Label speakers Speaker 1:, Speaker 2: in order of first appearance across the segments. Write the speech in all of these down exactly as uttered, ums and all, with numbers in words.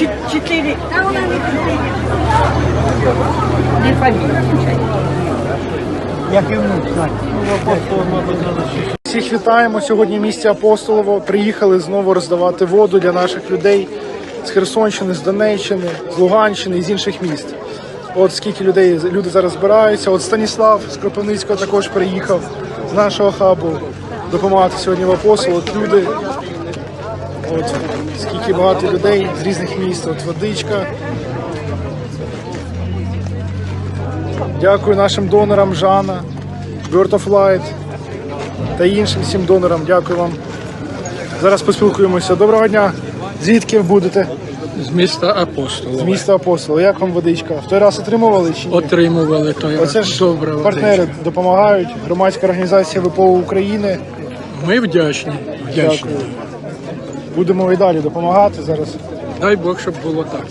Speaker 1: Чотири. Не фамілія. Як і внук.
Speaker 2: Всіх вітаємо. Сьогодні в місті Апостолово. Приїхали знову роздавати воду для наших людей з Херсонщини, з Донеччини, з Луганщини і з інших міст. От скільки людей, люди зараз збираються. От Станіслав з Кропивницького також приїхав з нашого хабу допомагати сьогодні в Апостолово. От люди, от скільки багато людей з різних міст. От водичка. Дякую нашим донорам Жана, Bird of Light та іншим всім донорам. Дякую вам. Зараз поспілкуємося. Доброго дня. Звідки ви будете?
Speaker 3: З міста Апостолова.
Speaker 2: З міста Апостолова. Як вам водичка? В той раз отримували чи ні?
Speaker 3: Отримували той раз.
Speaker 2: Оце ж
Speaker 3: Добре
Speaker 2: партнери
Speaker 3: водичка.
Speaker 2: допомагають. Громадська організація ВПО України.
Speaker 3: Ми вдячні. вдячні.
Speaker 2: Дякую. Будемо і далі допомагати зараз.
Speaker 3: Дай Бог, щоб було так.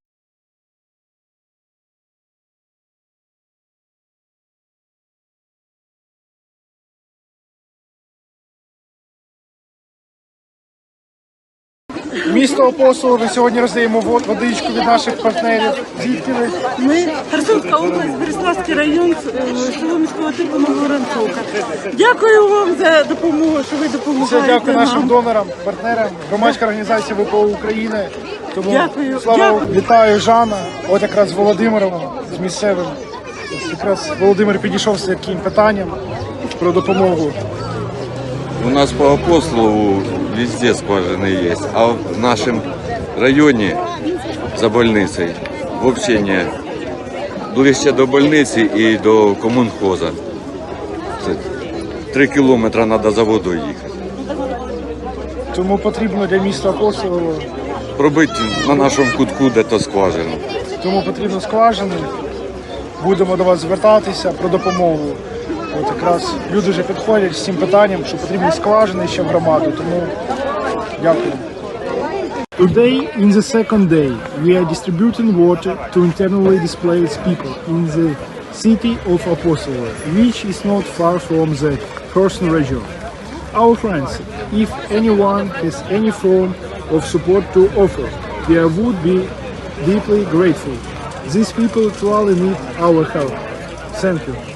Speaker 2: Місто Апостолово. Сьогодні роздаємо вод- водичку від наших партнерів. Звідки ви?
Speaker 4: Ми Херсонська область, Береславський район, е, село міського типу Нововоронцовка. Дякую вам за допомогу, що ви
Speaker 2: Все,
Speaker 4: допомагаєте
Speaker 2: дякую нашим
Speaker 4: нам.
Speaker 2: донорам, партнерам, громадська організація ВПО України. Тому
Speaker 4: Дякую.
Speaker 2: слава
Speaker 4: Дякую.
Speaker 2: вітаю Жана. От якраз з Володимиром, з місцевим. Ось якраз Володимир підійшов з таким питанням про допомогу.
Speaker 5: У нас по Апостолову везде скважины есть, а в нашем районе за больницей вообще не. Ближче до больниці і до комунхоза. Це три кілометри треба за водою їхати.
Speaker 2: Тому потрібно для міста Апостолово,
Speaker 5: Пробити на нашому кутку де-то скважину.
Speaker 2: тому потрібно скважини. Будемо до вас звертатися про допомогу. От якраз люди вже підходять з цим питанням, що потрібні скважини ще в громаду. Тому дякую. Today, in the second day, we are distributing water to internally displaced people in the city of Apostolovo, which is not far from the Kherson region. Our friends, if anyone has any form of support to offer, we would be deeply grateful. These people truly need our help. Thank you.